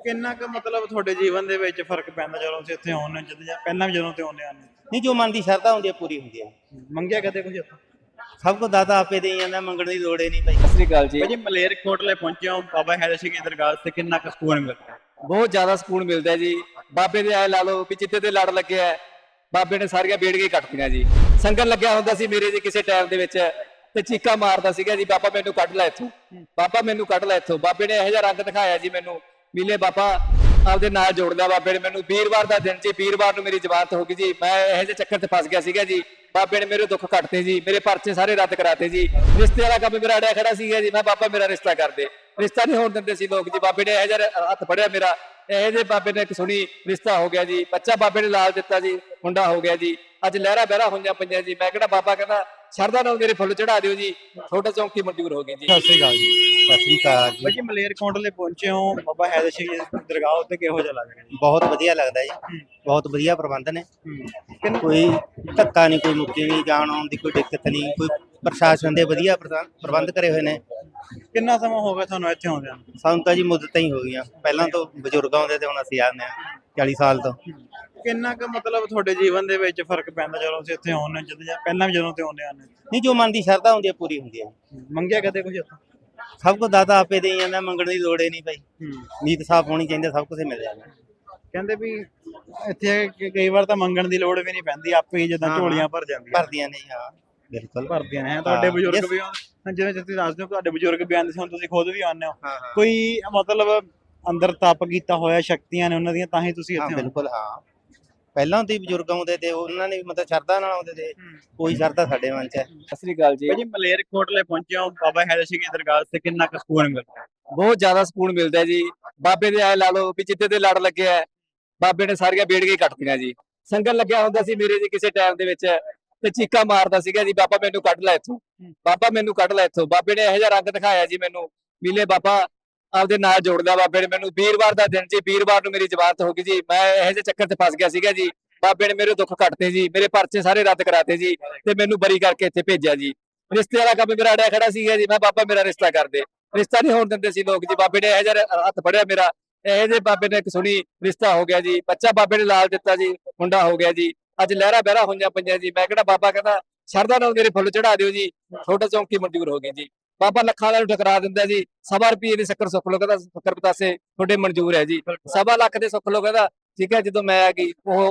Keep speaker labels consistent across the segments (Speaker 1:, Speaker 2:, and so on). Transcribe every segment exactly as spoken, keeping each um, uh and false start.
Speaker 1: ਕਿੰਨਾ ਕੁ ਮਤਲਬ ਤੁਹਾਡੇ ਜੀਵਨ ਦੇ ਵਿੱਚ ਫਰਕ ਪੈਂਦਾ ਜਦੋਂ ਤੁਸੀਂ ਇੱਥੇ ਆਉਂਦੇ ਹੋ ਜਦੋਂ ਜਾਂ ਪਹਿਲਾਂ ਵੀ ਜਦੋਂ ਤੇ ਆਉਂਦੇ ਆਨੇ
Speaker 2: ਨਹੀਂ, ਜੋ ਮਨ ਦੀ ਸ਼ਰਧਾ ਹੁੰਦੀ ਹੈ ਪੂਰੀ ਹੁੰਦੀ ਹੈ।
Speaker 1: ਮੰਗਿਆ ਕਦੇ ਕੁਝ ਇੱਥੋਂ?
Speaker 2: ਸਭ ਕੁਝ ਦਾਤਾ ਆਪੇ ਦੇਈ ਜਾਂਦਾ, ਮੰਗਣ ਦੀ ਲੋੜ ਹੀ ਨਹੀਂ ਭਾਈ।
Speaker 3: ਸਤਿ ਸ੍ਰੀ ਅਕਾਲ ਜੀ।
Speaker 1: ਭਾਜੀ ਮਲੇਰਕੋਟਲੇ ਪਹੁੰਚੇ ਹੋ ਬਾਬਾ ਹੈਦਰ ਸਿੰਘ ਦੀ ਦਰਗਾਹ ਤੇ ਕਿੰਨਾ ਕੁ ਸਕੂਨ ਮਿਲਦਾ?
Speaker 3: ਬਹੁਤ ਜ਼ਿਆਦਾ ਸਕੂਨ ਮਿਲਦਾ ਹੈ ਜੀ। ਬਾਬੇ ਦੇ ਆਏ ਲਾ ਲਓ ਵੀ ਜਿੱਤੇ ਤੇ ਲੜ ਲੱਗਿਆ ਹੈ, ਬਾਬੇ ਨੇ ਸਾਰੀਆਂ ਬੇੜੀਆਂ ਕੱਟਤੀਆਂ ਜੀ। ਸੰਗਤ ਲੱਗਿਆ ਹੁੰਦਾ ਸੀ ਮੇਰੇ ਜੀ ਕਿਸੇ ਟਾਈਮ ਦੇ ਵਿੱਚ ਤੇ ਚੀਕਾਂ ਮਾਰਦਾ ਸੀਗਾ ਜੀ, ਬਾਬਾ ਮੈਨੂੰ ਕੱਢ ਲੈ ਇੱਥੋਂ, ਬਾਬਾ ਮੈਨੂੰ ਕੱਢ ਲੈ ਇੱਥੋਂ। ਬਾਬੇ ਨੇ ਇਹੋ ਜਿਹਾ ਰੰਗ ਦਿਖਾਇਆ ਜੀ ਮੈਨੂੰ, ਮਿਲੇ ਬਾਬਾ ਆਪਦੇ ਨਾਲ ਜੋੜ ਲਿਆ ਬਾਬੇ ਨੇ ਮੈਨੂੰ। ਵੀਰਵਾਰ ਦਾ ਦਿਨ ਜੀ, ਵੀਰਵਾਰ ਨੂੰ ਮੇਰੀ ਜ਼ਮਾਨਤ ਹੋ ਗਈ ਜੀ। ਮੈਂ ਇਹੋ ਜਿਹੇ ਚੱਕਰ 'ਚ ਫਸ ਗਿਆ ਸੀਗਾ ਜੀ। ਬਾਬੇ ਨੇ ਮੇਰੇ ਦੁੱਖ ਕੱਟਤੇ ਜੀ, ਮੇਰੇ ਪਰਚੇ ਸਾਰੇ ਰੱਦ ਕਰਾਤੇ ਜੀ। ਰਿਸ਼ਤੇ ਵਾਲਾ ਕੰਮ ਮੇਰਾ ਅੜਿਆ ਖੜਾ ਸੀਗਾ ਜੀ। ਮੈਂ ਬਾਬਾ ਮੇਰਾ ਰਿਸ਼ਤਾ ਕਰ ਦੇ, ਰਿਸ਼ਤਾ ਨਹੀਂ ਹੋਣ ਦਿੰਦੇ ਸੀ ਲੋਕ ਜੀ। ਬਾਬੇ ਨੇ ਇਹੋ ਜਿਹਾ ਹੱਥ ਫੜਿਆ ਮੇਰਾ, ਇਹੋ ਜਿਹੇ ਬਾਬੇ ਨੇ ਇੱਕ ਸੁਣੀ ਰਿਸ਼ਤਾ ਹੋ ਗਿਆ ਜੀ। ਬੱਚਾ ਬਾਬੇ ਨੇ ਲਾਲ ਦਿੱਤਾ ਜੀ, ਮੁੰਡਾ ਹੋ ਗਿਆ ਜੀ। ਅੱਜ ਲਹਿਰਾ ਬਹਿਰਾ ਹੋਈਆਂ ਪਈਆਂ ਜੀ। ਮੈਂ ਕਿਹੜਾ ਬਾਬਾ ਕਹਿੰਦਾ ਸ਼ਰਧਾ ਨਾਲ ਮੇਰੇ ਫੁੱਲ ਚੜਾ ਦਿਓ ਜੀ, ਤੁਹਾਡਾ ਚੌਂਕੀ ਮਨਜ਼ੂਰ ਹੋ ਗਈ ਜੀ।
Speaker 1: ਸਤਿ ਸ਼੍ਰੀ ਅਕਾਲ ਜੀ।
Speaker 2: ਸਤਿ ਸ੍ਰੀ ਅਕਾਲ ਜੀ।
Speaker 1: ਭਾਜੀ ਮਲੇਰਕੋਟਲੇ ਪਹੁੰਚੇ ਹੋ ਬਾਬਾ ਹੈਦਰ ਸਿੰਘ ਦੀ ਦਰਗਾਹ ਉੱਤੇ ਕਿਹੋ ਜਿਹਾ ਲੱਗ ਰਿਹਾ ਜੀ?
Speaker 2: ਬਹੁਤ ਵਧੀਆ ਲੱਗਦਾ ਜੀ, ਬਹੁਤ ਵਧੀਆ ਪ੍ਰਬੰਧ ਨੇ।
Speaker 1: ਕਿੰਨਾ
Speaker 2: ਕੋਈ ਧੱਕਾ ਨਹੀਂ, ਕੋਈ ਮੁੱਕੀ ਨਹੀਂ, ਜਾਣ ਆਉਣ ਦੀ ਕੋਈ ਦਿੱਕਤ ਨਹੀਂ। ਕੋਈ ਪ੍ਰਸ਼ਾਸਨ ਦੇ ਵਧੀਆ ਪ੍ਰਬੰਧ ਪ੍ਰਬੰਧ ਕਰੇ ਹੋਏ ਨੇ।
Speaker 1: ਕਿੰਨਾ ਸਮਾਂ ਹੋ ਗਿਆ ਤੁਹਾਨੂੰ ਇੱਥੇ ਆਉਂਦਿਆਂ ਨੂੰ?
Speaker 2: ਸਾਨੂੰ ਤਾਂ ਜੀ ਮੁੱਦਤਾਂ ਹੀ ਹੋ ਗਈਆਂ, ਪਹਿਲਾਂ ਤੋਂ ਬਜ਼ੁਰਗ ਆਉਂਦੇ ਤੇ ਹੁਣ ਅਸੀਂ ਆਉਂਦੇ ਹਾਂ ਚਾਲੀ ਸਾਲ ਤੋਂ।
Speaker 1: ਕਿੰਨਾ ਕੁ ਮਤਲਬ ਤੁਹਾਡੇ ਜੀਵਨ ਦੇ ਵਿੱਚ ਫਰਕ ਪੈਂਦਾ ਜਦੋਂ ਤੁਸੀਂ ਇੱਥੇ ਆਉਂਦੇ ਹੋ ਜਦੋਂ ਜਾਂ ਪਹਿਲਾਂ ਵੀ ਜਦੋਂ ਤੇ ਆਉਂਦੇ ਆਨੇ?
Speaker 2: ਨਹੀਂ, ਜੋ ਮਨ ਦੀ ਸ਼ਰਧਾ ਹੁੰਦੀ ਹੈ ਪੂਰੀ ਹੁੰਦੀ ਹੈ।
Speaker 1: ਮੰਗਿਆ ਕਦੇ ਕੁਝ ਇੱਥੋਂ?
Speaker 2: ਸਭ ਕੁਝ ਦਾਤਾ ਆਪੇ ਦੇਈ ਜਾਂਦਾ, ਮੰਗਣ ਦੀ ਲੋੜ ਹੀ ਨਹੀਂ ਭਾਈ। ਨੀਤ ਸਾਫ਼ ਹੋਣੀ ਚਾਹੀਦੀ, ਸਭ ਕੁਝ ਮਿਲ ਜਾਂਦਾ।
Speaker 1: ਕਹਿੰਦੇ ਵੀ ਇੱਥੇ ਕ- ਕਈ ਵਾਰ ਤਾਂ ਮੰਗਣ ਦੀ ਲੋੜ ਵੀ ਨਹੀਂ ਪੈਂਦੀ, ਆਪੇ ਹੀ ਜਦੋਂ
Speaker 2: ਹਾਂ,
Speaker 1: ਝੋਲੀਆਂ ਭਰ ਜਾਂਦੀਆਂ
Speaker 2: ਭਰਦੀਆਂ ਨੇ, ਹਾਂ ਬਿਲਕੁਲ
Speaker 1: ਭਰਦੀਆਂ ਨੇ। ਤੁਹਾਡੇ
Speaker 2: ਹਾਂ,
Speaker 1: ਬਜ਼ੁਰਗ
Speaker 2: yes।
Speaker 1: ਵੀ ਆਉਂਦੇ ਜਿਵੇਂ ਤੁਸੀਂ ਦੱਸਦੇ ਹੋ, ਤੁਹਾਡੇ ਬਜ਼ੁਰਗ ਵੀ ਆਉਂਦੇ ਸੀ, ਹੁਣ ਤੁਸੀਂ ਖੁਦ ਵੀ ਆਉਂਦੇ ਹੋ।
Speaker 2: ਹਾਂ ਹਾਂ
Speaker 1: ਕੋਈ ਮਤਲਬ ਅੰਦਰ ਤਪ ਕੀਤਾ ਹੋਇਆ ਸ਼ਕਤੀਆਂ ਨੇ ਉਹਨਾਂ ਦੀਆਂ, ਤਾਂ ਹੀ ਤੁਸੀਂ
Speaker 2: ਹਾਂ
Speaker 1: ਇੱਥੇ ਆਉਂਦੇ
Speaker 2: ਬਿਲਕੁਲ ਹਾਂ। ਪਹਿਲਾਂ ਤੋਂ ਹੀ ਬਜ਼ੁਰਗ ਆਉਂਦੇ ਤੇ ਉਹਨਾਂ ਨੇ ਵੀ ਮਤਲਬ ਸ਼ਰਧਾ ਨਾਲ ਆਉਂਦੇ ਤੇ, ਕੋਈ ਸ਼ਰਧਾ ਸਾਡੇ ਮਨ 'ਚ ਹੈ।
Speaker 3: ਸਤਿ ਸ੍ਰੀ ਅਕਾਲ ਜੀ।
Speaker 1: ਭਾਜੀ ਮਲੇਰਕੋਟਲੇ ਪਹੁੰਚੇ ਹੋ ਬਾਬਾ ਹੈਦਰ ਸਿੰਘ ਦੀ ਦਰਗਾਹ ਤੇ ਕਿੰਨਾ ਕੁ ਸਕੂਨ ਮਿਲਦਾ?
Speaker 3: ਬਹੁਤ ਜ਼ਿਆਦਾ ਸਕੂਨ ਮਿਲਦਾ ਹੈ ਜੀ। ਬਾਬੇ ਦੇ ਆਏ ਲਾ ਲਓ ਵੀ ਜਿੱਤੇ ਤੇ ਲੜ ਲੱਗਿਆ ਹੈ, ਬਾਬੇ ਨੇ ਸਾਰੀਆਂ ਬੇੜੀਆਂ ਕੱਟਤੀਆਂ ਜੀ। ਸੰਗਤ ਲੱਗਿਆ ਹੁੰਦਾ ਸੀ ਮੇਰੇ ਜੀ ਕਿਸੇ ਟਾਈਮ ਦੇ ਵਿੱਚ ਤੇ ਚੀਕਾਂ ਮਾਰਦਾ ਸੀਗਾ ਜੀ, ਬਾਬਾ ਮੈਨੂੰ ਕੱਢ ਲੈ ਇੱਥੋਂ, ਬਾਬਾ ਮੈਨੂੰ ਕੱਢ ਲੈ ਇੱਥੋਂ। ਬਾਬੇ ਨੇ ਇਹੋ ਜਿਹਾ ਰੰਗ ਦਿਖਾਇਆ ਜੀ ਮੈਨੂੰ, ਮਿਲੇ ਬਾਬਾ ਆਪਦੇ ਨਾਲ ਜੋੜ ਲਿਆ ਬਾਬੇ ਨੇ ਮੈਨੂੰ। ਵੀਰਵਾਰ ਦਾ ਦਿਨ ਜੀ, ਵੀਰਵਾਰ ਨੂੰ ਮੇਰੀ ਜ਼ਮਾਨਤ ਹੋ ਗਈ ਜੀ। ਮੈਂ ਇਹੋ ਜਿਹੇ ਚੱਕਰ 'ਚ ਫਸ ਗਿਆ ਸੀਗਾ ਜੀ। ਬਾਬੇ ਨੇ ਮੇਰੇ ਦੁੱਖ ਕੱਟਤੇ ਜੀ, ਮੇਰੇ ਪਰਚੇ ਸਾਰੇ ਰੱਦ ਕਰਾਤੇ ਜੀ ਤੇ ਮੈਨੂੰ ਬਰੀ ਕਰਕੇ ਇੱਥੇ ਭੇਜਿਆ ਜੀ। ਰਿਸ਼ਤੇ ਵਾਲਾ ਕੰਮ ਮੇਰਾ ਅੜਿਆ ਖੜਾ ਸੀਗਾ ਜੀ। ਮੈਂ ਬਾਬਾ ਮੇਰਾ ਰਿਸ਼ਤਾ ਕਰ ਦੇ, ਰਿਸ਼ਤਾ ਨਹੀਂ ਹੋਣ ਦਿੰਦੇ ਸੀ ਲੋਕ ਜੀ। ਬਾਬੇ ਨੇ ਇਹੋ ਜਿਹਾ ਹੱਥ ਫੜਿਆ ਮੇਰਾ, ਇਹੋ ਜਿਹੇ ਬਾਬੇ ਨੇ ਇੱਕ ਸੁਣੀ ਰਿਸ਼ਤਾ ਹੋ ਗਿਆ ਜੀ। ਬੱਚਾ ਬਾਬੇ ਨੇ ਲਾਲ ਦਿੱਤਾ ਜੀ, ਮੁੰਡਾ ਹੋ ਗਿਆ ਜੀ। ਅੱਜ ਲਹਿਰਾ ਬਹਿਰਾ ਹੋਈਆਂ ਪਈਆਂ ਜੀ। ਮੈਂ ਕਿਹੜਾ ਬਾਬਾ ਕਹਿੰਦਾ ਸ਼ਰਧਾ ਨਾਲ ਮੇਰੇ ਫੁੱਲ ਚੜਾ ਦਿਓ ਜੀ, ਤੁਹਾਡਾ ਚੌਂਕੀ ਮਨਜ਼ੂਰ ਹੋ ਗਈ ਜੀ। ਬਾਬਾ ਲੱਖਾਂ ਵਾਲੇ ਨੂੰ ਠਕਰਾ ਦਿੰਦਾ ਜੀ। ਸਵਾ ਰੁਪਏ ਦੀ ਸ਼ੱਕਰ ਸੁੱਖ ਲੋ, ਕਹਿੰਦਾ ਸ਼ੱਕਰ ਪਤਾਸੇ ਤੁਹਾਡੇ ਮਨਜ਼ੂਰ ਹੈ ਜੀ। ਸਵਾ ਲੱਖ ਦੇ ਸੁੱਖ ਲੋ ਕਹਿੰਦਾ ਠੀਕ ਹੈ। ਜਦੋਂ ਮੈਂ ਆ ਗਈ ਉਹ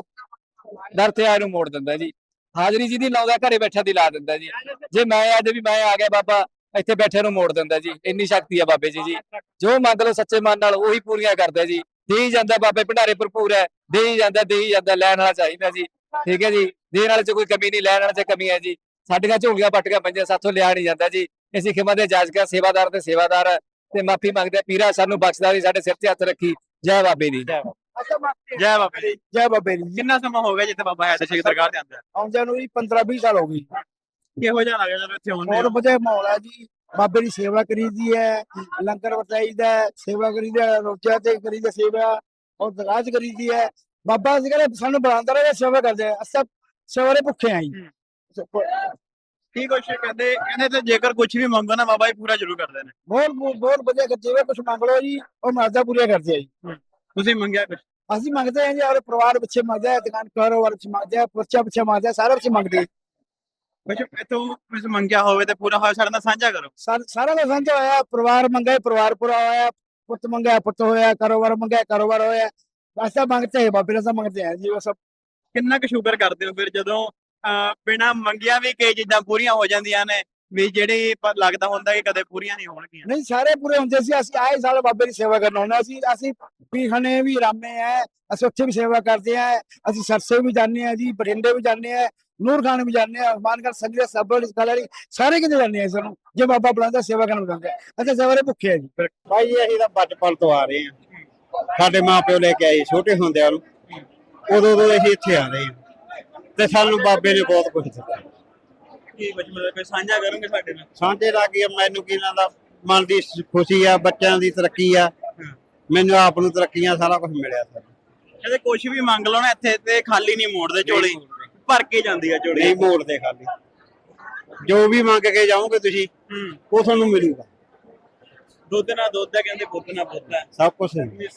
Speaker 3: ਦਰ ਤੇ ਆਏ ਨੂੰ ਮੋੜ ਦਿੰਦਾ ਜੀ। ਹਾਜ਼ਰੀ ਜਿਹਦੀ ਲਾਉਂਦਾ ਘਰੇ ਬੈਠਿਆਂ ਦੀ ਲਾ ਦਿੰਦਾ ਜੀ। ਜੇ ਮੈਂ ਅੱਜ ਵੀ ਮੈਂ ਆ ਗਿਆ ਬਾਬਾ ਇੱਥੇ ਬੈਠੇ ਨੂੰ ਮੋੜ ਦਿੰਦਾ ਜੀ। ਇੰਨੀ ਸ਼ਕਤੀ ਆ ਬਾਬੇ ਜੀ ਜੀ। ਜੋ ਮੰਗ ਲਓ ਸੱਚੇ ਮਨ ਨਾਲ ਉਹੀ ਪੂਰੀਆਂ ਕਰਦਾ ਜੀ। ਦੇ ਹੀ ਜਾਂਦਾ ਬਾਬੇ ਭੰਡਾਰੇ ਭਰਪੂਰ ਹੈ, ਦੇ ਹੀ ਜਾਂਦਾ ਦੇ ਹੀ ਜਾਂਦਾ। ਲੈਣ ਵਾਲਾ ਚਾਹੀਦਾ ਜੀ, ਠੀਕ ਹੈ ਜੀ। ਦੇਣ ਵਾਲੇ 'ਚ ਕੋਈ ਕਮੀ ਨਹੀਂ, ਲੈਣ ਵਾਲੇ 'ਚ ਕਮੀ ਹੈ ਜੀ। ਸਾਡੀਆਂ ਝੋਲੀਆਂ ਪੱਟੀਆਂ ਪਈਆਂ, ਸਾਥੋਂ ਲਿਆ ਨਹੀਂ ਜਾਂਦਾ ਜੀ। ਅਸੀਂ ਖਿਮਾ ਦੇ ਜਾਜਕਾ ਸੇਵਾਦਾਰ ਤੇ ਸੇਵਾਦਾਰ ਤੇ ਮਾਫੀ ਮੰਗਦੇ। ਪੀਰਾ ਸਾਨੂੰ ਬਖਸ਼ਦਾ ਵੀ ਸਾਡੇ ਸਿਰ ਤੇ ਹੱਥ ਰੱਖੀ। ਜੈ ਬਾਬੇ ਦੀ।
Speaker 1: ਜੈ ਬਾਬਾ ਜੀ।
Speaker 4: ਜੈ ਬਾਬੇ ਦੀ।
Speaker 1: ਕਿੰਨਾ ਸਮਾਂ ਹੋ ਗਿਆ ਜਿੱਥੇ ਬਾਬਾ ਹੈਦਰ ਸਿੰਘ ਦੀ ਦਰਗਾਹ ਤੇ ਆਉਂਦਾ?
Speaker 4: ਆਉਂਦਿਆਂ ਨੂੰ ਵੀ ਪੰਦਰਾਂ ਵੀਹ ਸਾਲ ਹੋ ਗਈ।
Speaker 1: ਕਿਹੋ ਜਿਹਾ ਲੱਗਦਾ ਜਦੋਂ ਇੱਥੇ ਆਉਂਦੇ
Speaker 4: ਬਹੁਤ
Speaker 1: ਹੋ?
Speaker 4: ਵਧੀਆ ਮਾਹੌਲ ਹੈ ਜੀ। ਬਾਬੇ ਦੀ ਸੇਵਾ ਕਰੀਦੀ ਹੈ, ਲੰਗਰ ਵਰਤਾਈਦਾ ਹੈ, ਸੇਵਾ ਕਰੀਦੀ ਹੈ, ਰੋਜ਼ਿਆਂ ਤੇ ਕਰੀਦੀ ਸੇਵਾ ਔਰ ਦਰਗਾਹ 'ਚ ਕਰੀਦੀ ਹੈ। ਬਾਬਾ ਅਸੀਂ ਕਹਿੰਦੇ ਸਾਨੂੰ ਬੁਲਾਉਂਦਾ ਰਹੇ, ਸੇਵਾ ਕਰਦੇ ਆ। ਅਸੀਂ ਸਵੇਰੇ ਭੁੱਖੇ ਆਂ ਜੀ।
Speaker 1: ਕੀ ਕੁਛ ਕਹਿੰਦੇ ਕਹਿੰਦੇ ਤੇ ਜੇਕਰ ਕੁਝ ਵੀ ਮੰਗੋ ਨਾ ਬਾਬਾ ਜੀ ਪੂਰਾ ਜ਼ਰੂਰ ਕਰਦੇ ਨੇ।
Speaker 4: ਬਹੁਤ ਬਹੁਤ ਵਧੀਆ ਕਰਦੇ ਆ। ਕੁਛ ਮੰਗ ਲਓ ਜੀ, ਉਹ ਮਰਜ਼ਾ ਪੂਰੀਆਂ ਕਰਦੇ ਆ ਜੀ।
Speaker 1: ਤੁਸੀਂ ਮੰਗਿਆ ਕੁਛ?
Speaker 4: ਅਸੀਂ ਮੰਗਦੇ ਹਾਂ ਜੀ, ਔਰ ਪਰਿਵਾਰ ਪਿੱਛੇ ਮੰਗਦੇ ਆ, ਦੁਕਾਨ ਕਾਰੋਬਾਰ ਪਿੱਛੇ ਮੰਗਦੇ ਆ, ਬੱਚਾ ਪਿੱਛੇ ਮੰਗਦੇ ਆ, ਸਾਰਾ ਪਿੱਛੇ ਮੰਗਦੇ ਆ।
Speaker 1: ਕੁਛ ਇੱਥੋਂ ਕੁਛ ਮੰਗਿਆ ਹੋਵੇ ਤੇ ਪੂਰਾ ਹੋਇਆ ਸਾਡੇ ਨਾਲ ਸਾਂਝਾ ਕਰੋ।
Speaker 4: ਸਾਰ- ਸਾਰਾ ਕੁਝ ਸਾਂਝਾ ਹੋਇਆ। ਪਰਿਵਾਰ ਮੰਗਿਆ, ਪਰਿਵਾਰ ਪੂਰਾ ਹੋਇਆ। ਪੁੱਤ ਮੰਗਿਆ, ਪੁੱਤ ਹੋਇਆ। ਕਾਰੋਬਾਰ ਮੰਗਿਆ, ਕਾਰੋਬਾਰ ਹੋਇਆ। ਐਸਾ ਮੰਗਤੇ ਹੈ ਬਾਬੇ ਦਾ ਮੰਗਦੇ ਹੈ ਜੀ। ਉਹ ਸਭ
Speaker 1: ਕਿੰਨਾ ਕੁ ਸ਼ੁਕਰ ਕਰਦੇ ਹੋ ਫਿਰ ਜਦੋਂ ਬਿਨਾ ਮੰਗਿਆ ਵੀ ਕਈ ਚੀਜ਼ਾਂ ਪੂਰੀਆਂ ਹੋ ਜਾਂਦੀਆਂ ਨੇ, ਵੀ ਜਿਹੜੀ ਪਰ ਲੱਗਦਾ ਹੁੰਦਾ ਕਿ ਕਦੇ ਪੂਰੀਆਂ ਨਹੀਂ ਹੋਣਗੀਆਂ?
Speaker 4: ਨਹੀਂ, ਸਾਰੇ ਪੂਰੇ ਹੁੰਦੇ ਸੀ। ਅਸੀਂ ਆਏ ਸਾਲ ਬਾਬੇ ਦੀ ਸੇਵਾ ਕਰਨ ਆਉਂਦੇ ਅਸੀਂ ਅਸੀਂ ਪੀਖਾਨੇ ਵੀ ਰਾਮੇ ਆ, ਅਸੀਂ ਉੱਥੇ ਵੀ ਸੇਵਾ ਕਰਦੇ ਆ। ਅਸੀਂ ਸਰਸੇ ਵੀ ਜਾਂਦੇ ਆ ਜੀ, ਬਠਿੰਡੇ ਵੀ ਜਾਂਦੇ ਆ, ਨੂਰ ਖਾਨ ਵੀ ਜਾਂਦੇ ਆ, ਹਨੂਮਾਨਗੜ੍ਹ ਸੰਗਤ ਸਭਰ ਕਲਰੀ ਸਾਰੇ ਕਿਤੇ ਜਾਂਦੇ ਆ। ਸਾਨੂੰ ਜੇ ਬਾਬਾ ਬੁਲਾਉਂਦਾ ਸੇਵਾ ਕਰਨ ਬੁਲਾਉਂਦਾ। ਅਸੀਂ ਸਵੇਰੇ ਭੁੱਖੇ ਆ ਜੀ।
Speaker 2: ਭਾਈ ਜੀ ਅਸੀਂ ਤਾਂ ਬਚਪਨ ਤੋਂ ਆ ਰਹੇ ਹਾਂ। ਸਾਡੇ ਮਾਪਿਓ ਲੈ ਕੇ ਆਏ ਛੋਟੇ ਹੁੰਦਿਆਂ ਨੂੰ, ਉਦੋਂ ਤੋਂ ਅਸੀਂ ਇੱਥੇ ਆ ਰਹੇ ਹਾਂ ਤੇ ਸਾਨੂੰ ਬਾਬੇ ਨੇ ਬਹੁਤ ਕੁਝ ਦਿੱਤਾ।
Speaker 1: ਕੀ ਕੁਝ ਮਤਲਬ ਕੋਈ ਸਾਂਝਾ ਕਰੋਗੇ ਸਾਡੇ ਨਾਲ?
Speaker 2: ਸਾਡੇ ਲਾਗੇ ਮੈਨੂੰ ਕਿਨਾਂ ਦਾ ਮਨ ਦੀ ਖੁਸ਼ੀ ਆ, ਬੱਚਿਆਂ ਦੀ ਤਰੱਕੀ ਆ, ਮੈਨੂੰ ਆਪ ਨੂੰ ਤਰੱਕੀਆਂ ਸਾਰਾ ਕੁਝ ਮਿਲਿਆ ਸਰ।
Speaker 1: ਕਹਿੰਦੇ ਕੁਝ ਵੀ ਮੰਗ ਲਓ ਨਾ ਇੱਥੇ ਤੇ ਖਾਲੀ ਨਹੀਂ ਮੋੜਦੇ ਝੋਲੀ, ਭਰ ਕੇ ਜਾਂਦੀ ਆ ਝੋਲੀ।
Speaker 2: ਨਹੀਂ ਮੋੜਦੇ ਖਾਲੀ, ਜੋ ਵੀ ਮੰਗ ਕੇ ਜਾਓਗੇ ਤੁਸੀਂ ਉਹ ਤੁਹਾਨੂੰ ਮਿਲੂਗਾ।
Speaker 1: ਦੁੱਧ ਨਾਲ ਦੁੱਧ ਹੈ ਕਹਿੰਦੇ, ਪੁੱਤ ਨਾਲ ਪੁੱਤ ਹੈ।
Speaker 2: ਸਭ ਕੁਝ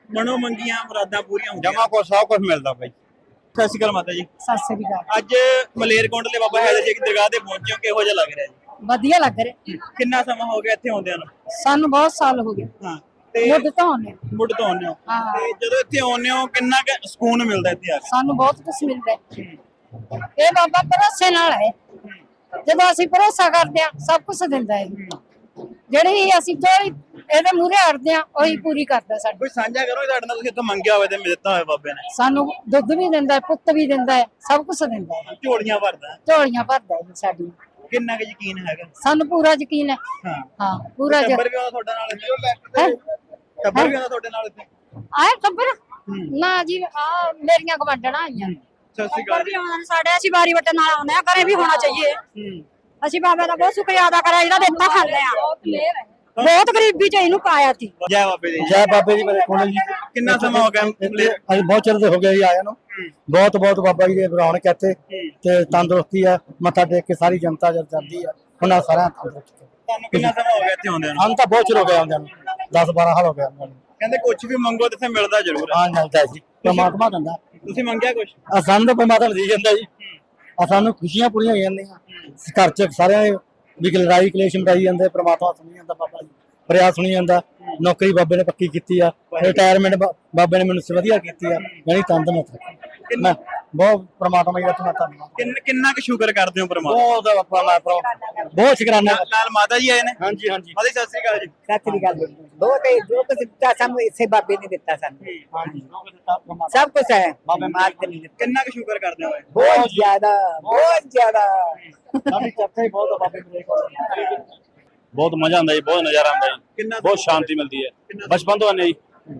Speaker 1: ਮਨੋ ਮੰਗੀਆਂ ਮੁਰਾਦਾਂ ਪੂਰੀਆਂ ਹੁੰਦੀਆਂ।
Speaker 2: ਜਮਾ ਕੋ ਸਭ ਕੁਝ ਮਿਲਦਾ ਬਾਈ।
Speaker 1: ਸਤਿ ਸ਼੍ਰੀ ਅਕਾਲ ਮਾਤਾ ਜੀ।
Speaker 5: ਸਤਿ ਸ੍ਰੀ ਅਕਾਲ।
Speaker 1: ਅੱਜ ਮਲੇਰਕੋਟਲੇ ਬਾਬਾ ਹੈਦਰ ਸ਼ੇਖ ਦੀ ਦਰਗਾਹ ਤੇ ਪਹੁੰਚੇ ਹੋ, ਕਿਹੋ ਜਿਹਾ ਲੱਗ ਰਿਹਾ ਜੀ?
Speaker 5: ਵਧੀਆ ਲੱਗ ਰਿਹਾ।
Speaker 1: ਕਿੰਨਾ ਸਮਾਂ ਹੋ ਗਿਆ ਇੱਥੇ ਆਉਂਦਿਆਂ ਨੂੰ?
Speaker 5: ਸਾਨੂੰ ਬਹੁਤ ਸਾਲ ਹੋ ਗਏ
Speaker 1: ਹਾਂ ਤੇ
Speaker 5: ਮੁੱਢ ਤੋਂ ਆਉਂਦੇ ਹਾਂ।
Speaker 1: ਮੁੱਢ ਤੋਂ ਆਉਂਦੇ ਹੋ
Speaker 5: ਹਾਂ।
Speaker 1: ਤੇ ਜਦੋਂ ਇੱਥੇ ਆਉਂਦੇ ਹੋ ਕਿੰਨਾ ਕੁ ਸਕੂਨ ਮਿਲਦਾ ਇੱਥੇ ਆ ਕੇ?
Speaker 5: ਸਾਨੂੰ ਬਹੁਤ ਕੁਝ ਮਿਲਦਾ ਹੈ। ਇਹ ਬਾਬਾ ਭਰੋਸੇ ਨਾਲ ਹੈ। ਜਦੋਂ ਅਸੀਂ ਭਰੋਸਾ ਕਰਦੇ ਹਾਂ ਸਭ ਕੁਝ ਦਿੰਦਾ ਹੈ। ਜਿਹੜੀ ਅਸੀਂ ਜੋ ਇਹਦੇ ਮੂਹਰੇ ਅੜਦੇ ਹਾਂ ਉਹੀ ਪੂਰੀ ਕਰਦਾ ਸਾਡੀ।
Speaker 1: ਕੋਈ ਸਾਂਝਾ ਕਰੋ ਤੁਹਾਡੇ ਨਾਲ, ਤੁਸੀਂ ਇੱਥੋਂ ਮੰਗਿਆ ਹੋਵੇ ਤੇ ਦਿੱਤਾ ਹੋਵੇ ਬਾਬੇ ਨੇ।
Speaker 5: ਸਾਨੂੰ ਦੁੱਧ ਵੀ ਦਿੰਦਾ ਹੈ, ਪੁੱਤ ਵੀ ਦਿੰਦਾ ਹੈ, ਸਭ ਕੁਝ ਦਿੰਦਾ ਹੈ।
Speaker 1: ਝੋਲੀਆਂ ਭਰਦਾ ਹੈ।
Speaker 5: ਝੋਲੀਆਂ ਭਰਦਾ ਹੈ ਸਾਡੀ।
Speaker 1: ਕਿੰਨਾ ਕੁ ਯਕੀਨ ਹੈਗਾ?
Speaker 5: ਸਾਨੂੰ ਪੂਰਾ ਯਕੀਨ ਹੈ।
Speaker 1: ਹਾਂ
Speaker 5: ਹਾਂ ਪੂਰਾ ਯਕੀਨ
Speaker 1: ਟੱਬਰ ਵੀ ਆਉਂਦਾ ਤੁਹਾਡੇ ਨਾਲ ਇੱਥੇ?
Speaker 5: ਹੈ।
Speaker 1: ਟੱਬਰ ਵੀ ਆਉਂਦਾ ਤੁਹਾਡੇ ਨਾਲ ਇੱਥੇ?
Speaker 5: ਆਏ ਖਬਰ ਨਾ ਜੀ ਆ ਮੇਰੀਆਂ ਗਵਾਂਢਣਾ ਆਈਆਂ।
Speaker 1: ਸਤਿ ਸ਼੍ਰੀ ਅਕਾਲ
Speaker 6: ਵੀ ਆਉਣਾ ਸਾਡੇ ਅਸੀਂ ਵਾਰੀ ਵਟਣ ਨਾਲ ਆਉਂਦੇ ਆ, ਘਰੇ ਵੀ ਹੋਣਾ ਚਾਹੀਏ। ਅਸੀਂ ਬਾਬੇ ਦਾ ਬਹੁਤ ਸ਼ੁਕਰੀਆ ਅਦਾ ਕਰਿਆ ਜਿਹੜਾ ਦਿੱਤਾ ਖਾਂਦੇ ਆ। ਬਹੁਤ ਗਰੀਬੀ ਚ ਇਹਨੂੰ ਪਾਇਆ ਸੀ।
Speaker 1: ਜੈ ਬਾਬੇ ਦੀ।
Speaker 4: ਜੈ ਬਾਬੇ ਦੀ ਮੇਰੇ ਕੋਲ ਜੀ।
Speaker 1: ਕਿੰਨਾ ਸਮਾਂ ਹੋ ਗਿਆ ਮਲੇਰ?
Speaker 4: ਅੱਜ ਬਹੁਤ ਚਿਰ ਦੇ ਹੋ ਗਿਆ ਜੀ ਆਇਆ ਨੂੰ। ਬਹੁਤ ਬਹੁਤ ਬਾਬਾ ਜੀ ਦੇ ਰੌਣਕ ਇੱਥੇ ਤੇ ਤੰਦਰੁਸਤੀ ਆ। ਮੱਥਾ ਟੇਕ ਕੇ ਸਾਰੀ ਜਨਤਾ ਜਦ ਜਾਂਦੀ ਆ ਉਹਨਾਂ ਸਾਰਿਆਂ ਤੰਦਰੁਸਤ।
Speaker 1: ਤੁਹਾਨੂੰ ਕਿੰਨਾ ਸਮਾਂ ਹੋ ਗਿਆ ਇੱਥੇ ਆਉਂਦਿਆਂ ਨੂੰ?
Speaker 4: ਸਾਨੂੰ ਤਾਂ ਬਹੁਤ ਚਿਰ ਹੋ ਗਿਆ ਆਉਂਦਿਆਂ ਨੂੰ। ਦਸ ਬਾਰਾਂ ਸਾਲ ਹੋ ਗਿਆ ਆਉਂਦਿਆਂ ਨੂੰ।
Speaker 1: ਕਹਿੰਦੇ ਕੁਝ ਵੀ ਮੰਗੋ ਤੇ ਇੱਥੇ ਮਿਲਦਾ ਜ਼ਰੂਰ ਹੈ।
Speaker 4: ਹਾਂ ਮਿਲਦਾ ਜੀ, ਪਰਮਾਤਮਾ ਦਿੰਦਾ।
Speaker 1: ਤੁਸੀਂ ਮੰਗਿਆ ਕੁਝ?
Speaker 4: ਆ ਸਾਨੂੰ ਤਾਂ ਪਰਮਾਤਮਾ ਦੇ ਜਾਂਦਾ ਜੀ। ਆ ਸਾਨੂੰ ਖੁਸ਼ੀਆਂ ਪੂਰੀਆਂ ਹੋ ਜਾਂਦੀਆਂ ਘਰ ਚ। ਸਾਰਿਆਂ ਵੀ ਲੜਾਈ ਕਲੇਸ਼ ਮਰਾਈ ਜਾਂਦੇ, ਪਰਮਾਤਮਾ ਸੁਣੀ ਜਾਂਦਾ ਬਾਬਾ ਜੀ ਫਰਿਆਦ ਸੁਣੀ ਜਾਂਦਾ। ਨੌਕਰੀ ਬਾਬੇ ਨੇ ਪੱਕੀ ਕੀਤੀ ਆ। ਰਿਟਾਇਰਮੈਂਟ ਬਾਬੇ ਨੇ ਮੈਨੂੰ ਵਧੀਆ ਕੀਤੀ ਆ। ਯਾਨੀ ਤੰਦਰੁਸਤ ਮੈਂ ਬਹੁਤ ਪਰਮਾਤਮਾ ਜੀ ਦਾ ਧੰਨਵਾਦ।
Speaker 1: ਕਿੰਨ- ਕਿੰਨਾ ਕੁ ਸ਼ੁਕਰ ਕਰਦੇ ਹੋ ਪਰਮਾਤਮਾ?
Speaker 4: ਬਹੁਤ ਬਾਬਾ ਮੈਂ ਬਹੁਤ ਸ਼ੁਕਰਾਨਾ।
Speaker 1: ਨਾਲ ਨਾਲ ਮਾਤਾ ਜੀ ਆਏ ਨੇ।
Speaker 4: ਹਾਂਜੀ ਹਾਂਜੀ
Speaker 1: ਮਾਤਾ ਜੀ ਸਤਿ ਸ਼੍ਰੀ ਅਕਾਲ ਜੀ।
Speaker 7: ਸਤਿ ਸ੍ਰੀ ਅਕਾਲ। ਬਹੁਤ ਹੈ ਜੋ ਕੁਝ ਦਿੱਤਾ ਸਾਨੂੰ ਇਸੇ ਬਾਬੇ ਨੇ ਦਿੱਤਾ ਸਾਨੂੰ।
Speaker 4: ਹਾਂਜੀ
Speaker 7: ਸਭ ਕੁਝ ਹੈ ਬਾਬੇ ਮਾਲਕ ਨੇ ਦਿੱਤਾ।
Speaker 1: ਕਿੰਨਾ ਕੁ ਸ਼ੁਕਰ ਕਰਦੇ ਹੋ?
Speaker 7: ਬਹੁਤ ਜ਼ਿਆਦਾ ਬਹੁਤ ਜ਼ਿਆਦਾ।
Speaker 4: ਸਾਡੀ ਚਰਚਾ ਹੀ ਬਹੁਤ ਆ ਬਾਬੇ ਮੇਰੇ ਕੋਲ।
Speaker 8: ਬਹੁਤ ਮਜ਼ਾ ਆਉਂਦਾ ਜੀ, ਬਹੁਤ ਨਜ਼ਾਰਾ ਆਉਂਦਾ ਜੀ,
Speaker 1: ਕਿੰਨਾ
Speaker 8: ਬਹੁਤ ਸ਼ਾਂਤੀ ਮਿਲਦੀ ਹੈ। ਬਚਪਨ ਤੋਂ ਆਨੇ ਜੀ।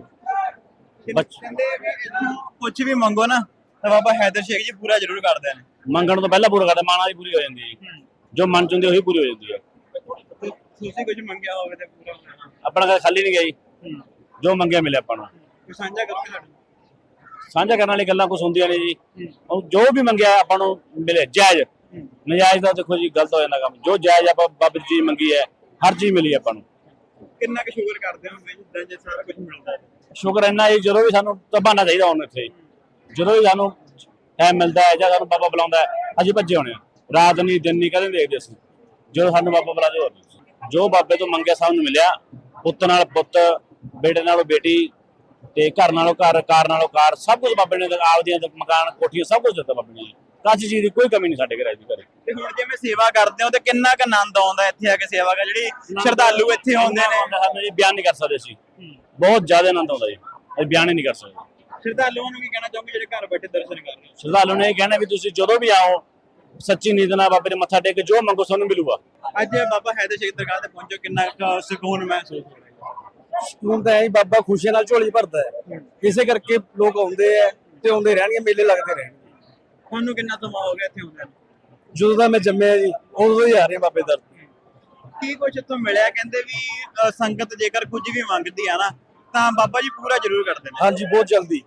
Speaker 8: ਬੱਚ-
Speaker 1: ਕਹਿੰਦੇ ਵੀ ਇੱਥੋਂ ਕੁਝ ਵੀ ਮੰਗੋ ਨਾ ਤਾਂ ਬਾਬਾ ਹੈਦਰ ਸ਼ੇਖ ਜੀ ਪੂਰਾ ਜ਼ਰੂਰ ਕਰਦੇ ਨੇ।
Speaker 8: ਮੰਗਣ ਤੋਂ ਪਹਿਲਾਂ ਪੂਰਾ ਕਰਦੇ, ਮਾਣਾ ਦੀ ਪੂਰੀ ਹੋ ਜਾਂਦੀ ਹੈ ਜੀ। ਜੋ ਮਨ ਚ ਹੁੰਦੀ ਉਹੀ ਪੂਰੀ ਹੋ ਜਾਂਦੀ ਹੈ।
Speaker 1: ਤੇ ਤੁਸੀਂ ਕੁਝ ਮੰਗਿਆ ਹੋਵੇ ਤੇ ਪੂਰਾ ਹੋਣਾ।
Speaker 8: ਆਪਣਾ ਕਦੇ ਖਾਲੀ ਨਹੀਂ ਗਿਆ ਜੀ। ਜੋ ਮੰਗਿਆ ਮਿਲਿਆ ਆਪਾਂ ਨੂੰ।
Speaker 1: ਕੋਈ ਸਾਂਝਾ ਕਰੋਗੇ ਸਾਡੇ ਨਾਲ?
Speaker 8: ਸਾਂਝਾ ਕਰਨ ਵਾਲੀ ਗੱਲਾਂ ਕੁਝ ਹੁੰਦੀਆਂ ਨੇ ਜੀ। ਉਹ ਜੋ ਵੀ ਮੰਗਿਆ ਆਪਾਂ ਨੂੰ ਮਿਲੇ ਜਾਇਜ਼। ਨਜਾਇਜ਼ ਦਾ ਦੇਖੋ ਜੀ ਗਲਤ ਹੋ ਜਾਂਦਾ ਕੰਮ। ਜੋ ਜਾਇਜ਼ ਆਪਾਂ ਬਾਬੇ ਦੀ ਚੀਜ਼ ਮੰਗੀ ਹੈ ਹਰ ਚੀਜ਼ ਮਿਲੀ ਆਪਾਂ ਨੂੰ।
Speaker 1: ਕਿੰਨਾ ਕੁ ਸ਼ੁਕਰ ਕਰਦੇ ਹੋ ਜਿੱਦਾਂ ਜੇ ਸਾਰਾ ਕੁਝ ਮਿਲਦਾ ਹੈ?
Speaker 8: ਸ਼ੁਕਰ ਇੰਨਾ ਜੀ, ਜਦੋਂ ਵੀ ਸਾਨੂੰ ਤਬਾਨਾ ਚਾਹੀਦਾ ਹੁਣ ਇੱਥੇ, ਜਦੋਂ ਵੀ ਸਾਨੂੰ ਟਾਈਮ ਮਿਲਦਾ ਹੈ ਜਾਂ ਸਾਨੂੰ ਬਾਬਾ ਬੁਲਾਉਂਦਾ ਹੈ ਅਸੀਂ ਭੱਜੇ ਹੋਣੇ ਆ। ਰਾਤ ਨਹੀਂ ਦਿਨ ਨਹੀਂ ਕਦੇ ਦੇਖਦੇ ਅਸੀਂ। ਜਦੋਂ ਸਾਨੂੰ ਬਾਬਾ ਬੁਲਾ ਦਿਓ, ਜੋ ਬਾਬੇ ਤੋਂ ਮੰਗਿਆ ਸਾਨੂੰ ਮਿਲਿਆ। ਪੁੱਤ ਨਾਲ ਪੁੱਤ, ਬੇਟੇ ਨਾਲੋਂ ਬੇਟੀ ਤੇ ਘਰ ਨਾਲੋਂ ਘਰ, ਕਾਰ ਨਾਲੋਂ ਕਾਰ, ਸਭ ਕੁਝ ਬਾਬੇ ਨੇ ਆਪਦੀਆਂ ਮਕਾਨ ਕੋਠੀਆਂ ਸਭ ਕੁਝ ਦਿੱਤਾ ਬਾਬੇ ਨੇ। ਕਾਸੀ ਚੀਜ਼ ਦੀ ਕੋਈ ਕਮੀ ਨਹੀਂ ਸਾਡੇ ਘਰ ਦੀ ਘਰੇ।
Speaker 1: ਤੇ ਹੁਣ ਜਿਵੇਂ ਸੇਵਾ ਕਰਦੇ ਹੋ ਤੇ ਕਿੰਨਾ ਕੁ ਆਨੰਦ ਆਉਂਦਾ ਇੱਥੇ ਆ ਕੇ ਸੇਵਾ ਕਰ? ਜਿਹੜੀ ਸ਼ਰਧਾਲੂ ਇੱਥੇ ਆਉਂਦੇ ਨੇ
Speaker 8: ਸਾਨੂੰ ਜੀ ਬਿਆਨ ਨਹੀਂ ਕਰ ਸਕਦੇ ਅਸੀਂ। ਬਹੁਤ ਜ਼ਿਆਦਾ ਆਨੰਦ ਆਉਂਦਾ ਜੀ, ਅਸੀਂ ਬਿਆਨ ਹੀ ਨਹੀਂ ਕਰ ਸਕਦੇ।
Speaker 1: ਸ਼ਰਧਾਲੂਆਂ ਨੂੰ ਕੀ ਕਹਿਣਾ ਚਾਹੋਗੇ ਜਿਹੜੇ ਘਰ ਬੈਠੇ ਦਰਸ਼ਨ ਕਰ ਰਹੇ ਹੋ?
Speaker 8: ਸ਼ਰਧਾਲੂ ਨੇ ਇਹ ਕਹਿਣਾ ਵੀ ਤੁਸੀਂ ਜਦੋਂ ਵੀ ਆਓ ਸੱਚੀ ਨੀਤ ਨਾਲ ਬਾਬੇ ਦੇ ਮੱਥਾ ਟੇਕ ਕੇ ਜੋ ਮੰਗੋ ਤੁਹਾਨੂੰ ਮਿਲੂਗਾ।
Speaker 1: ਅੱਜ ਬਾਬਾ ਹੈਦਰ ਸ਼ੇਖ ਦਰਗਾਹ ਤੇ ਪਹੁੰਚੋ, ਕਿੰਨਾ ਕੁ ਸਕੂਨ ਮਹਿਸੂਸ ਹੋ ਰਿਹਾ?
Speaker 4: ਸਕੂਨ ਤਾਂ ਹੈ ਹੀ, ਬਾਬਾ ਖੁਸ਼ੀਆਂ ਨਾਲ ਝੋਲੀ ਭਰਦਾ ਹੈ। ਇਸੇ ਕਰਕੇ ਲੋਕ ਆਉਂਦੇ ਆ ਤੇ ਆਉਂਦੇ ਰਹਿਣਗੇ, ਮੇਲੇ ਲੱਗਦੇ ਰਹਿਣਗੇ।
Speaker 1: ਤੁਹਾਨੂੰ ਕਿੰਨਾ ਸਮਾਂ ਹੋ ਗਿਆ ਇੱਥੇ ਆਉਂਦੇ ਨੂੰ?
Speaker 4: ਜਦੋਂ ਦਾ ਮੈਂ ਜੰਮਿਆ ਜੀ ਉਦੋਂ ਹੀ ਆ ਰਹੇ ਬਾਬੇ ਦਰ।
Speaker 1: ਕੀ ਕੁਝ ਇੱਥੋਂ ਮਿਲਿਆ? ਕਹਿੰਦੇ ਵੀ ਅ, ਸੰਗਤ ਜੇਕਰ ਕੁਝ ਵੀ ਮੰਗਦੀ ਆ ਨਾ ਤਾਂ ਬਾਬਾ ਜੀ ਪੂਰਾ ਜ਼ਰੂਰ ਕਰਦੇ ਨੇ।
Speaker 4: ਹਾਂਜੀ ਬਹੁਤ ਜਲਦੀ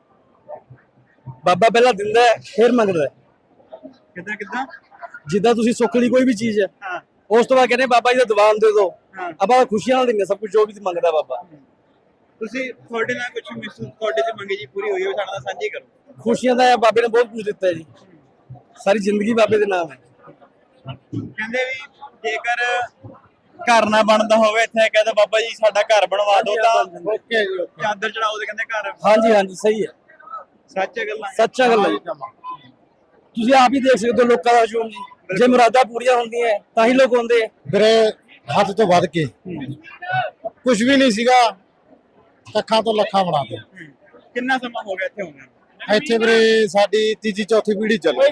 Speaker 4: ਬਾਬਾ ਪਹਿਲਾਂ ਦਿੰਦਾ ਹੈ ਫਿਰ ਮੰਗਦਾ ਹੈ।
Speaker 1: ਕਿੱਦਾਂ ਕਿੱਦਾਂ?
Speaker 4: ਜਿੱਦਾਂ ਤੁਸੀਂ ਸੁੱਖ ਲਈ ਕੋਈ ਵੀ ਚੀਜ਼ ਹੈ
Speaker 1: ਹਾਂ
Speaker 4: ਉਸ ਤੋਂ ਬਾਅਦ ਕਹਿੰਦੇ ਬਾਬਾ ਜੀ ਦਾ ਦੀਵਾਨ ਦੇ ਦਿਓ।
Speaker 1: ਹਾਂ।
Speaker 4: ਆਪਾਂ ਖੁਸ਼ੀਆਂ ਨਾਲ ਦਿੰਦੇ ਸਭ ਕੁਝ ਜੋ ਵੀ ਮੰਗਦਾ ਬਾਬਾ।
Speaker 1: ਤੁਸੀਂ ਤੁਹਾਡੇ ਨਾਲ ਕੁਝ ਮਹਿਸੂਸ ਤੁਹਾਡੇ ਚ ਮੰਗੀ ਜੀ ਪੂਰੀ ਹੋਈ ਹੋਵੇ ਸਾਡੇ ਨਾਲ ਸਾਂਝੀ ਕਰੋ।
Speaker 4: ਖੁਸ਼ੀਆਂ ਦਾ ਹੈ, ਬਾਬੇ ਨੇ ਬਹੁਤ ਕੁਝ ਦਿੱਤਾ ਹੈ ਜੀ। ਸਾਰੀ ਜ਼ਿੰਦਗੀ ਬਾਬੇ ਦੇ ਨਾਮ ਹੈ।
Speaker 1: ਕਹਿੰਦੇ ਵੀ ਜੇਕਰ ਘਰ ਨਾ ਬਣਦਾ ਹੋਵੇ ਇੱਥੇ ਕਹਿੰਦਾ ਬਾਬਾ ਜੀ ਸਾਡਾ ਘਰ ਬਣਵਾ ਦਿਓ ਤਾਂ
Speaker 4: ਓਕੇ ਜੀ ਓਕੇ।
Speaker 1: ਚਾਦਰ ਚੜਾਓ ਤੇ ਕਹਿੰਦੇ ਘਰ।
Speaker 4: ਹਾਂਜੀ ਹਾਂਜੀ ਸਹੀ ਹੈ,
Speaker 1: ਸੱਚ ਗੱਲਾਂ।
Speaker 4: ਸੱਚਾ ਗੱਲ ਹੈ ਜੀ। ਤੁਸੀਂ ਆਪ ਹੀ ਦੇਖ ਸਕਦੇ ਹੋ ਲੋਕਾਂ ਦਾ ਹਜੂਮ ਜੀ। ਜੇ ਮੁਰਾਦਾਂ ਪੂਰੀਆਂ ਹੁੰਦੀਆਂ ਤਾਂ ਹੀ ਲੋਕ ਆਉਂਦੇ ਆ।
Speaker 2: ਵੀਰੇ ਹੱਥ ਤੋਂ ਵੱਧ ਕੇ ਕੁਝ ਵੀ ਨਹੀਂ ਸੀਗਾ, ਲੱਖਾਂ ਤੋਂ ਲੱਖਾਂ ਬਣਾ ਦੇ।
Speaker 1: ਕਿੰਨਾ ਸਮਾਂ ਹੋ ਗਿਆ ਇੱਥੇ ਆਉਂਦੇ ਨੂੰ?
Speaker 2: ਇੱਥੇ ਵੀਰੇ ਸਾਡੀ ਤੀਜੀ ਚੌਥੀ ਪੀੜ੍ਹੀ ਚੱਲੀ।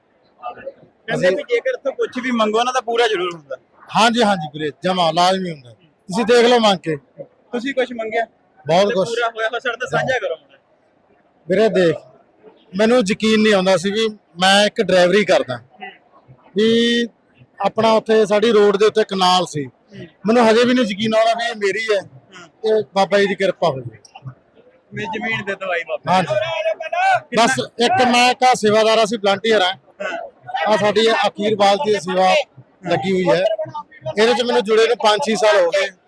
Speaker 1: ਕਹਿੰਦੇ ਵੀ ਜੇਕਰ ਇੱਥੋਂ ਕੁਝ ਵੀ ਮੰਗੋ ਨਾ ਤਾਂ ਪੂਰਾ ਜ਼ਰੂਰ ਹੁੰਦਾ।
Speaker 2: ਹਾਂਜੀ ਹਾਂਜੀ ਵੀਰੇ ਜਮਾ ਲਾਜ਼ਮੀ ਹੁੰਦਾ। ਤੁਸੀਂ ਦੇਖ ਲਓ ਮੰਗ ਕੇ
Speaker 1: ਤੁਸੀਂ ਕੁਝ ਮੰਗਿਆ
Speaker 2: ਬਹੁਤ
Speaker 1: ਤੇ
Speaker 2: ਕੁਛ।
Speaker 1: ਪੂਰਾ ਹੋਇਆ ਤਾਂ ਸਾਡੇ ਨਾਲ ਸਾਂਝਾ ਕਰੋ।
Speaker 2: ਵੀਰੇ ਦੇਖ ਮੈਨੂੰ ਯਕੀਨ ਨਹੀਂ ਆਉਂਦਾ ਸੀ ਵੀ ਮੈਂ ਇੱਕ ਡਰਾਈਵਰੀ ਕਰਦਾ ਵੀ ਆਪਣਾ ਉੱਥੇ ਸਾਡੀ ਰੋਡ ਦੇ ਉੱਤੇ ਕਨਾਲ ਸੀ। ਮੈਨੂੰ ਹਜੇ ਵੀ ਨਹੀਂ ਯਕੀਨ ਆਉਂਦਾ ਵੀ ਇਹ ਮੇਰੀ ਹੈ ਤੇ ਬਾਬਾ ਜੀ ਦੀ ਕਿਰਪਾ ਹੋਈ।
Speaker 1: ਮੇਰੀ ਜ਼ਮੀਨ ਦੇ ਦਵਾਈ ਬਾਬਾ।
Speaker 2: ਹਾਂਜੀ ਬਸ ਇੱਕ ਮੈਂ ਕਾ ਸੇਵਾਦਾਰ ਅਸੀਂ ਵਲੰਟੀਅਰ ਆ। ਆ ਸਾਡੀ ਅਖੀਰ ਬਾਲ ਦੀ ਸੇਵਾ ਲੱਗੀ ਹੋਈ ਹੈ। ਇਹਦੇ ਚ ਮੈਨੂੰ ਜੁੜੇ ਨੂੰ ਪੰਜ ਛੇ ਸਾਲ ਹੋ ਗਏ।